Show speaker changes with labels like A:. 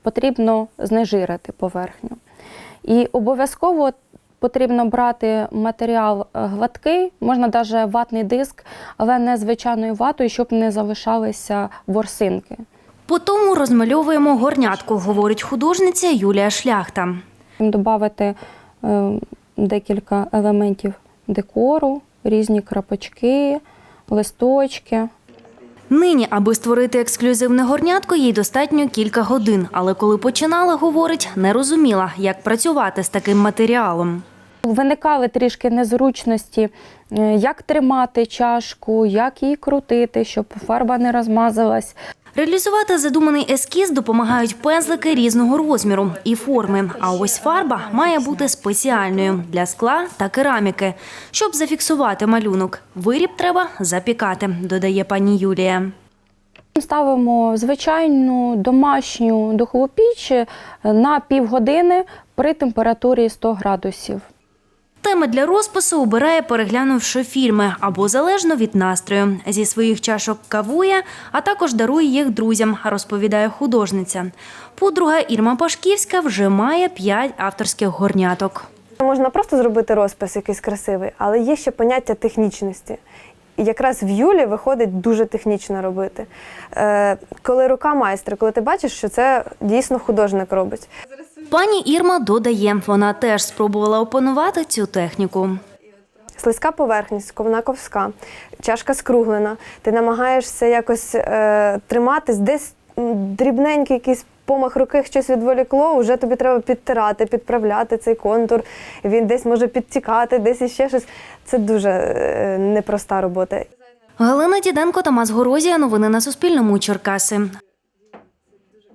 A: потрібно знежирити поверхню. І обов'язково потрібно брати матеріал гладкий, можна навіть ватний диск, але не звичайною ватою, щоб не залишалися ворсинки.
B: По тому розмальовуємо горнятку, говорить художниця Юлія Шляхта.
A: Добавити декілька елементів декору, різні крапочки, листочки.
B: Нині, аби створити ексклюзивне горнятко, їй достатньо кілька годин. Але коли починала, говорить, не розуміла, як працювати з таким матеріалом.
A: Виникали трішки незручності, як тримати чашку, як її крутити, щоб фарба не розмазалась.
B: Реалізувати задуманий ескіз допомагають пензлики різного розміру і форми. А ось фарба має бути спеціальною – для скла та кераміки. Щоб зафіксувати малюнок, виріб треба запікати, додає пані Юлія.
A: Ставимо звичайну домашню духову піч на півгодини при температурі 100 градусів.
B: Теми для розпису обирає, переглянувши фільми, або залежно від настрою. Зі своїх чашок кавує, а також дарує їх друзям, розповідає художниця. Подруга Ірма Пашківська вже має 5 авторських горняток.
C: Можна просто зробити розпис якийсь красивий, але є ще поняття технічності. І якраз в Юлі виходить дуже технічно робити. Коли рука майстра, коли ти бачиш, що це дійсно художник робить.
B: Пані Ірма додає, вона теж спробувала опанувати цю техніку.
C: Слизька поверхність, вона ковська, чашка скруглена. Ти намагаєшся якось триматись, десь дрібненький якийсь помах руки, щось відволікло, вже тобі треба підтирати, підправляти цей контур. Він десь може підтікати, десь іще щось. Це дуже непроста робота.
B: Галина Діденко, Тамас Горозія. Новини на Суспільному. Черкаси.